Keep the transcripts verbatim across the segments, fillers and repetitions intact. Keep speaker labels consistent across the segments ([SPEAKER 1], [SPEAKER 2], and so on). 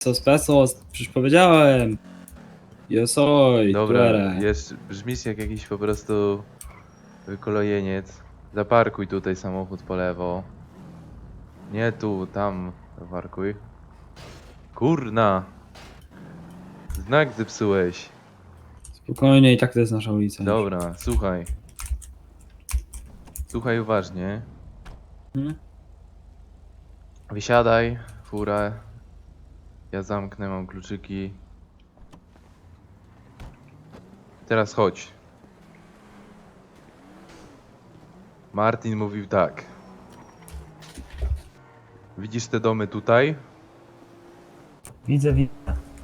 [SPEAKER 1] Pesos, pesos, przecież powiedziałem. Yo soy,
[SPEAKER 2] Dobra,
[SPEAKER 1] tú eres.
[SPEAKER 2] jest, brzmisz jak jakiś po prostu wykolojeniec. Zaparkuj tutaj samochód po lewo. Nie tu, tam zaparkuj. Kurna! Znak zepsułeś.
[SPEAKER 1] Spokojnie, i tak to jest nasza ulica. już.
[SPEAKER 2] Dobra, słuchaj. Słuchaj uważnie.
[SPEAKER 1] Hmm?
[SPEAKER 2] Wysiadaj, furę. Ja zamknę, mam kluczyki. Teraz chodź. Martin mówił tak. Widzisz te domy tutaj?
[SPEAKER 3] Widzę, widzę.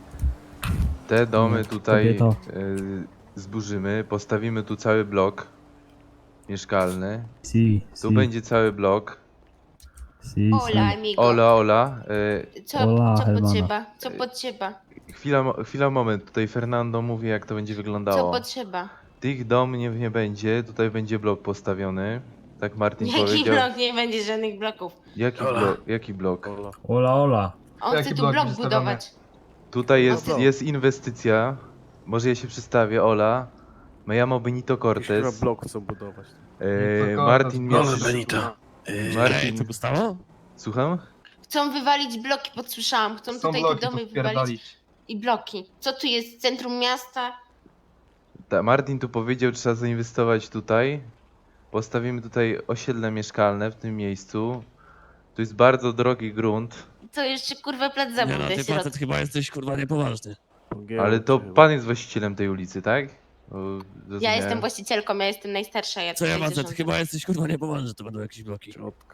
[SPEAKER 2] Te domy
[SPEAKER 3] No,
[SPEAKER 2] tutaj
[SPEAKER 3] kobieto.
[SPEAKER 2] y, zburzymy. Postawimy tu cały blok mieszkalny.
[SPEAKER 3] Si,
[SPEAKER 2] Tu
[SPEAKER 3] si,
[SPEAKER 2] będzie cały blok.
[SPEAKER 3] si,
[SPEAKER 4] Hola,
[SPEAKER 3] si.
[SPEAKER 4] amigo.
[SPEAKER 2] Ola, Ola. Y,
[SPEAKER 4] Co,
[SPEAKER 3] Hola,
[SPEAKER 4] co
[SPEAKER 3] hermano.
[SPEAKER 4] potrzeba? Co potrzeba?
[SPEAKER 2] chwila, mo- chwila, moment. Tutaj Fernando mówi, jak to będzie
[SPEAKER 4] Co
[SPEAKER 2] wyglądało.
[SPEAKER 4] potrzeba?
[SPEAKER 2] Tych dom nie, nie będzie. Tutaj będzie blok postawiony. Tak Martin
[SPEAKER 4] Jaki
[SPEAKER 2] powiedział.
[SPEAKER 4] blok? Nie będzie żadnych bloków.
[SPEAKER 2] Jaki blok? Jaki blok?
[SPEAKER 3] Ola, ola.
[SPEAKER 4] On
[SPEAKER 5] Jaki
[SPEAKER 4] chce tu
[SPEAKER 5] blok
[SPEAKER 4] blok
[SPEAKER 5] będzie
[SPEAKER 4] budować.
[SPEAKER 2] Tutaj jest,
[SPEAKER 4] No.
[SPEAKER 2] jest inwestycja. Może ja się przedstawię, Ola. Me llamo Benito
[SPEAKER 6] Chyba
[SPEAKER 2] Cortez.
[SPEAKER 6] blok chcą budować.
[SPEAKER 2] E,
[SPEAKER 5] Benito
[SPEAKER 2] Martin
[SPEAKER 5] Cortez.
[SPEAKER 2] mnie...
[SPEAKER 5] Nowy
[SPEAKER 7] Benito.
[SPEAKER 2] Martin...
[SPEAKER 7] Co Gustawo?
[SPEAKER 2] Słucham?
[SPEAKER 4] Chcą wywalić bloki, podsłyszałam. Chcą
[SPEAKER 5] Są
[SPEAKER 4] tutaj
[SPEAKER 5] bloki
[SPEAKER 4] te
[SPEAKER 5] tu
[SPEAKER 4] domy wywalić.
[SPEAKER 5] wpierdolić.
[SPEAKER 4] I bloki. Co tu jest? Centrum miasta?
[SPEAKER 2] Ta, Martin tu powiedział, trzeba zainwestować tutaj. Postawimy tutaj osiedle mieszkalne w tym miejscu. Tu jest bardzo drogi grunt,
[SPEAKER 4] To jeszcze kurwa plac
[SPEAKER 7] Nie
[SPEAKER 4] zabaw
[SPEAKER 7] no,
[SPEAKER 4] dla
[SPEAKER 7] ty
[SPEAKER 4] sierot.
[SPEAKER 7] facet chyba jesteś kurwa niepoważny.
[SPEAKER 2] ale to pan jest właścicielem tej ulicy, tak? Bo
[SPEAKER 4] Ja
[SPEAKER 2] zrozumiałem.
[SPEAKER 4] jestem właścicielką, ja jestem najstarsza. Ja
[SPEAKER 7] Co ja
[SPEAKER 4] tutaj
[SPEAKER 7] facet,
[SPEAKER 4] zarządzam.
[SPEAKER 7] chyba jesteś kurwa niepoważny, to będą jakieś bloki.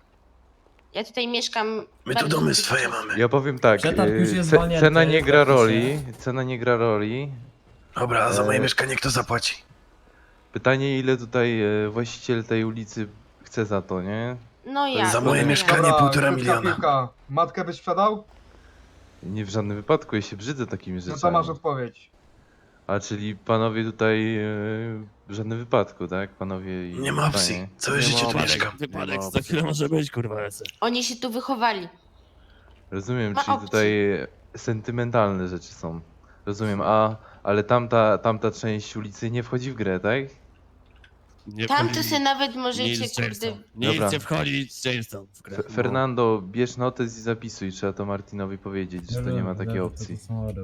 [SPEAKER 4] Ja tutaj mieszkam.
[SPEAKER 7] My
[SPEAKER 4] bardzo
[SPEAKER 7] tu domy
[SPEAKER 4] długi
[SPEAKER 7] swoje
[SPEAKER 4] czas.
[SPEAKER 7] mamy.
[SPEAKER 2] Ja powiem tak,
[SPEAKER 3] Przetarg już
[SPEAKER 2] e,
[SPEAKER 3] jest
[SPEAKER 2] ce,
[SPEAKER 3] zwolnięty,
[SPEAKER 2] cena nie gra
[SPEAKER 3] zgadza się.
[SPEAKER 2] roli, cena nie gra roli.
[SPEAKER 7] Dobra, a za
[SPEAKER 2] E,
[SPEAKER 7] moje mieszkanie kto zapłaci?
[SPEAKER 2] Pytanie, ile tutaj e, właściciel tej ulicy chce za to, nie?
[SPEAKER 4] No ja.
[SPEAKER 7] Za moje
[SPEAKER 4] no
[SPEAKER 7] mieszkanie
[SPEAKER 4] ja.
[SPEAKER 7] półtora
[SPEAKER 5] krótka
[SPEAKER 7] miliona.
[SPEAKER 5] piłka. Matkę byś sprzedał?
[SPEAKER 2] Nie w żadnym wypadku, ja się brzydzę takimi
[SPEAKER 5] No
[SPEAKER 2] rzeczami.
[SPEAKER 5] to masz odpowiedź.
[SPEAKER 2] A czyli panowie tutaj e, w żadnym wypadku, tak? Panowie i
[SPEAKER 7] Nie ma opcji.
[SPEAKER 2] panie.
[SPEAKER 7] Całe
[SPEAKER 6] Nie
[SPEAKER 7] życie
[SPEAKER 6] ma
[SPEAKER 7] tu
[SPEAKER 6] opcji.
[SPEAKER 7] mieszkam.
[SPEAKER 6] Nie
[SPEAKER 7] Wypadek,
[SPEAKER 6] ma
[SPEAKER 7] za
[SPEAKER 6] opcji.
[SPEAKER 7] chwilę może być kurwa lecę.
[SPEAKER 4] Oni się tu wychowali.
[SPEAKER 2] Rozumiem,
[SPEAKER 4] Ma
[SPEAKER 2] czyli
[SPEAKER 4] opcji.
[SPEAKER 2] tutaj sentymentalne rzeczy są. Rozumiem, a ale tamta, tamta część ulicy nie wchodzi w grę, tak?
[SPEAKER 7] Nie
[SPEAKER 4] Tam
[SPEAKER 7] wchodzi
[SPEAKER 4] to se nawet możecie,
[SPEAKER 7] nic z
[SPEAKER 4] kurde.
[SPEAKER 7] Jamestown. Nic
[SPEAKER 2] Dobra.
[SPEAKER 7] nie wchodzi z Jamestown w grę.
[SPEAKER 2] F Fernando, bierz notes i zapisuj, trzeba to Martinowi powiedzieć, że to nie ma takiej opcji.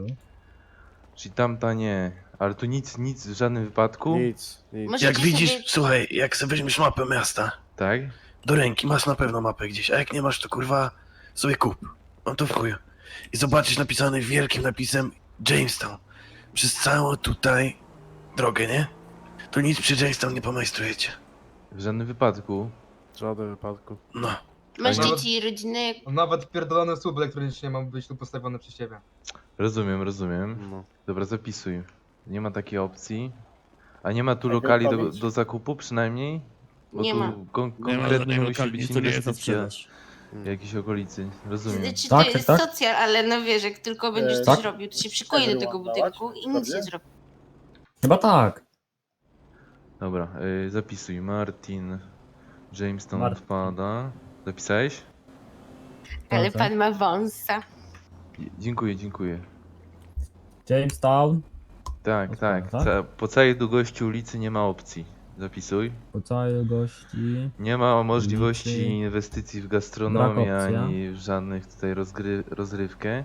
[SPEAKER 2] Czyli tamta nie, ale tu nic, nic w żadnym wypadku,
[SPEAKER 6] Nic, nic.
[SPEAKER 4] Może-
[SPEAKER 7] Jak
[SPEAKER 4] Możecie
[SPEAKER 7] widzisz,
[SPEAKER 4] sobie-
[SPEAKER 7] słuchaj, jak sobie weźmiesz mapę miasta,
[SPEAKER 2] tak?
[SPEAKER 7] do ręki masz na pewno mapę gdzieś, a jak nie masz, to kurwa sobie kup. On to w chuju. I zobaczysz napisany wielkim napisem Jamestown. Przez całą tutaj drogę, nie? To nic przy Jamestown nie pomajstrujecie.
[SPEAKER 2] W żadnym wypadku.
[SPEAKER 6] W żadnym wypadku.
[SPEAKER 7] No.
[SPEAKER 4] Masz
[SPEAKER 5] Nawet-
[SPEAKER 4] dzieci, rodziny.
[SPEAKER 5] Nawet pierdolony słup elektroniczny ma być tu postawiony przez ciebie.
[SPEAKER 2] Rozumiem, rozumiem.
[SPEAKER 6] No.
[SPEAKER 2] Dobra, zapisuj. Nie ma takiej opcji. A nie ma tu lokali do, do zakupu przynajmniej? Bo
[SPEAKER 4] Nie
[SPEAKER 2] tu
[SPEAKER 4] ma.
[SPEAKER 2] Kon
[SPEAKER 7] Nie ma
[SPEAKER 2] konkretnie
[SPEAKER 7] żadnej
[SPEAKER 2] musi
[SPEAKER 7] lokali,
[SPEAKER 2] być
[SPEAKER 7] tu nie jest na
[SPEAKER 2] inwestycja
[SPEAKER 7] sprzedaż.
[SPEAKER 2] w jakiejś okolicy. Rozumiem.
[SPEAKER 4] Znaczy,
[SPEAKER 3] Tak,
[SPEAKER 4] to jest
[SPEAKER 3] tak, tak.
[SPEAKER 4] socjal, ale no wiesz, jak tylko będziesz
[SPEAKER 3] E,
[SPEAKER 4] coś
[SPEAKER 3] tak?
[SPEAKER 4] robił, to się przykuje do tego budynku i nic nie zrobi.
[SPEAKER 3] Chyba tak.
[SPEAKER 2] Dobra, y, zapisuj. Martin Jamestown
[SPEAKER 3] Martin.
[SPEAKER 2] wpada. Zapisałeś?
[SPEAKER 4] Ale
[SPEAKER 3] Tak, tak.
[SPEAKER 4] pan ma wąsa.
[SPEAKER 2] J- Dziękuję, dziękuję.
[SPEAKER 3] Jamestown.
[SPEAKER 2] Tak,
[SPEAKER 3] Odpada,
[SPEAKER 2] tak.
[SPEAKER 3] tak?
[SPEAKER 2] Ca po całej długości ulicy nie ma opcji. Zapisuj.
[SPEAKER 3] Po całej gości.
[SPEAKER 2] Nie ma możliwości
[SPEAKER 3] Ulicy.
[SPEAKER 2] inwestycji w gastronomię
[SPEAKER 3] Brak opcji,
[SPEAKER 2] ani w żadnych tutaj rozgry rozrywkę.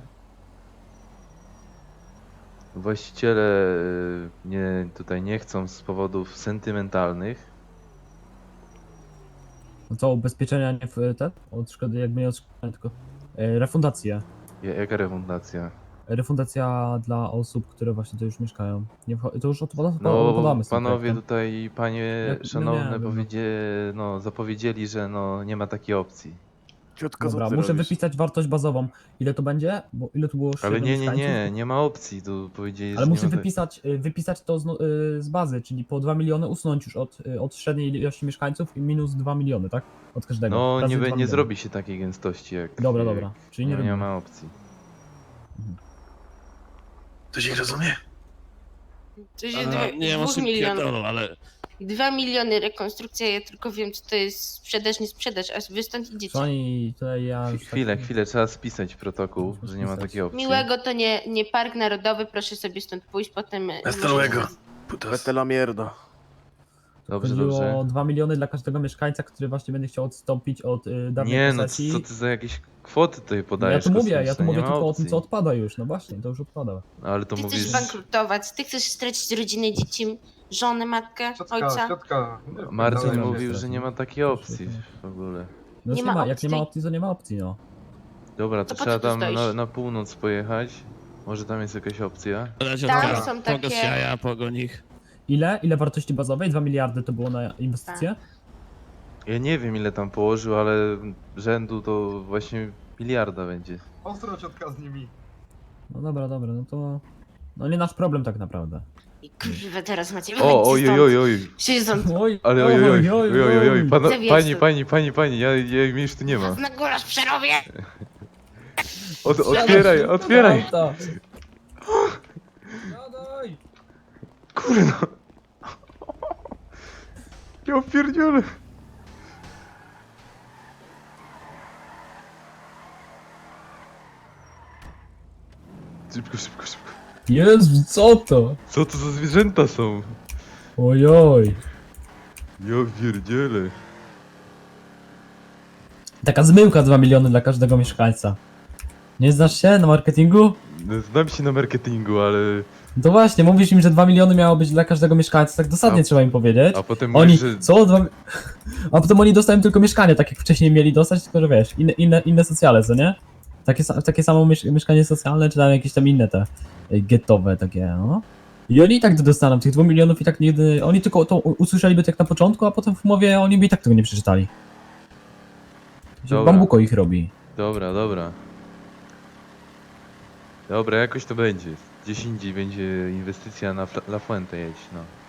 [SPEAKER 2] Właściciele y, nie, tutaj nie chcą z powodów sentymentalnych.
[SPEAKER 3] No co, ubezpieczenia nie w te? Od szkody, jakby nie od szkody, tylko e, refundacja.
[SPEAKER 2] Ja- Jaka refundacja?
[SPEAKER 3] Refundacja dla osób, które właśnie tu już mieszkają. Nie wcho- to już odpada,
[SPEAKER 2] No,
[SPEAKER 3] odpadamy z tym
[SPEAKER 2] panowie
[SPEAKER 3] projektem.
[SPEAKER 2] tutaj, panie
[SPEAKER 3] Jak- no
[SPEAKER 2] szanowne,
[SPEAKER 3] nie wiem, no.
[SPEAKER 2] powiedzie, no, zapowiedzieli, że no, nie ma takiej opcji.
[SPEAKER 6] Ciotko,
[SPEAKER 3] Dobra,
[SPEAKER 6] co ty
[SPEAKER 3] muszę
[SPEAKER 6] robisz?
[SPEAKER 3] wypisać wartość bazową. Ile to będzie? Bo ile tu było
[SPEAKER 2] Ale
[SPEAKER 3] średnio
[SPEAKER 2] nie, nie,
[SPEAKER 3] mieszkańców?
[SPEAKER 2] nie, nie ma opcji, tu powiedzieli,
[SPEAKER 3] Ale
[SPEAKER 2] że
[SPEAKER 3] muszę
[SPEAKER 2] nie ma tak-
[SPEAKER 3] wypisać, y, wypisać to z, no- y, z bazy, czyli po dwa miliony usunąć już od, y, od średniej ilości mieszkańców i minus dwa miliony, tak? Od każdego.
[SPEAKER 2] No,
[SPEAKER 3] Razy
[SPEAKER 2] nie,
[SPEAKER 3] dwa
[SPEAKER 2] be- nie
[SPEAKER 3] miliony.
[SPEAKER 2] zrobi się takiej gęstości jak...
[SPEAKER 3] Dobra,
[SPEAKER 2] jak,
[SPEAKER 3] dobra. Czyli nie,
[SPEAKER 2] Nie, nie
[SPEAKER 3] robimy.
[SPEAKER 2] ma opcji.
[SPEAKER 7] To się rozumie?
[SPEAKER 4] To się
[SPEAKER 7] A,
[SPEAKER 4] dwie,
[SPEAKER 7] nie,
[SPEAKER 4] dwóch
[SPEAKER 7] masz
[SPEAKER 4] milionów.
[SPEAKER 7] pierdolą, ale
[SPEAKER 4] Dwa miliony rekonstrukcja, ja tylko wiem, co to jest sprzedaż, nie sprzedaż, aż wy stąd idziecie.
[SPEAKER 3] Pani, tutaj ja... już
[SPEAKER 2] Chwilę,
[SPEAKER 3] tak-
[SPEAKER 2] chwilę, trzeba spisać protokół, że nie ma
[SPEAKER 3] Spisać.
[SPEAKER 2] takiej opcji.
[SPEAKER 4] Miłego to nie, nie park narodowy, proszę sobie stąd pójść, potem... e,
[SPEAKER 7] Hasta
[SPEAKER 4] możecie-
[SPEAKER 7] luego. Putas.
[SPEAKER 6] Vete la mierda.
[SPEAKER 2] Dobrze,
[SPEAKER 3] Chodziło
[SPEAKER 2] dobrze.
[SPEAKER 3] o dwa miliony dla każdego mieszkańca, który właśnie będzie chciał odstąpić od y, dawnej
[SPEAKER 2] Nie, no
[SPEAKER 3] posesji.
[SPEAKER 2] co ty za jakieś kwoty tutaj
[SPEAKER 3] ja
[SPEAKER 2] podajesz?
[SPEAKER 3] tu mówię, ja tu
[SPEAKER 2] kosmiczne?
[SPEAKER 3] mówię
[SPEAKER 2] Nie ma
[SPEAKER 3] tylko o
[SPEAKER 2] opcji.
[SPEAKER 3] tym, co odpada już. No właśnie, to już odpada.
[SPEAKER 2] Ale to
[SPEAKER 4] Ty
[SPEAKER 2] mówisz...
[SPEAKER 4] chcesz bankrutować, ty chcesz stracić rodzinę, dzieci, żonę, matkę,
[SPEAKER 5] Ciotka,
[SPEAKER 4] ojca.
[SPEAKER 5] ciotka.
[SPEAKER 2] Marcin
[SPEAKER 3] Dobra,
[SPEAKER 2] mówił,
[SPEAKER 3] dobra.
[SPEAKER 2] że nie ma takiej opcji w ogóle.
[SPEAKER 3] No
[SPEAKER 4] Nie
[SPEAKER 3] nie,
[SPEAKER 4] ma
[SPEAKER 3] ma, jak
[SPEAKER 4] opcji.
[SPEAKER 3] nie ma opcji, to nie ma opcji, no.
[SPEAKER 2] Dobra, to
[SPEAKER 4] To po
[SPEAKER 2] trzeba
[SPEAKER 4] co tu
[SPEAKER 2] tam
[SPEAKER 4] stoisz?
[SPEAKER 2] na, na północ pojechać. Może tam jest jakaś opcja.
[SPEAKER 4] Tam są takie...
[SPEAKER 8] jaja, pogoń ich.
[SPEAKER 3] Ile? Ile wartości bazowej? dwa miliardy to było na inwestycje?
[SPEAKER 4] Tak.
[SPEAKER 2] Ja nie wiem ile tam położył, ale rzędu to właśnie miliarda będzie.
[SPEAKER 5] Ostro ciotka z nimi.
[SPEAKER 3] No dobra, dobra, no to... No nie nasz problem tak naprawdę.
[SPEAKER 4] I kurwa, teraz macie
[SPEAKER 2] O, oj, oj, oj, oj.
[SPEAKER 4] Siedź stąd.
[SPEAKER 3] Oj,
[SPEAKER 2] Ale oj, oj, oj, oj, oj, oj, oj. Pana,
[SPEAKER 4] Zawiesz
[SPEAKER 2] pani,
[SPEAKER 4] to.
[SPEAKER 2] pani, pani, pani, ja, ja mnie już tu nie ma.
[SPEAKER 4] Na górze przerobię!
[SPEAKER 2] Od, otwieraj, otwieraj!
[SPEAKER 3] Siadaj! Siadaj!
[SPEAKER 2] Kurno! Ja pierdzielę! Szybko, szybko, szybko.
[SPEAKER 3] Jezu, co to?
[SPEAKER 2] Co to za zwierzęta są?
[SPEAKER 3] Ojoj.
[SPEAKER 2] Ja pierdzielę.
[SPEAKER 3] Taka zmyłka dwa miliony dla każdego mieszkańca. Nie znasz się na marketingu?
[SPEAKER 2] No, znam się na marketingu, ale...
[SPEAKER 3] To właśnie, mówisz im, że dwa miliony miało być dla każdego mieszkańca, tak dosadnie
[SPEAKER 2] A-
[SPEAKER 3] trzeba im powiedzieć.
[SPEAKER 2] A potem
[SPEAKER 3] Oni,
[SPEAKER 2] mówisz, że...
[SPEAKER 3] co? Dwa... A potem oni dostają tylko mieszkanie, tak jak wcześniej mieli dostać, tylko że wiesz, inne, inne, inne socjale, co nie? Takie, sa- takie samo miesz mieszkanie socjalne, czy tam jakieś tam inne te y, getowe takie, no. I oni i tak to dostaną, tych dwóch milionów i tak nigdy, oni tylko to u- usłyszeliby tak na początku, a potem w umowie oni by i tak tego nie przeczytali.
[SPEAKER 2] Dobra.
[SPEAKER 3] Bambuko ich robi.
[SPEAKER 2] Dobra, dobra. Dobra, jakoś to będzie. Gdzieś indziej będzie inwestycja na Fla- La Fuente jedź, no.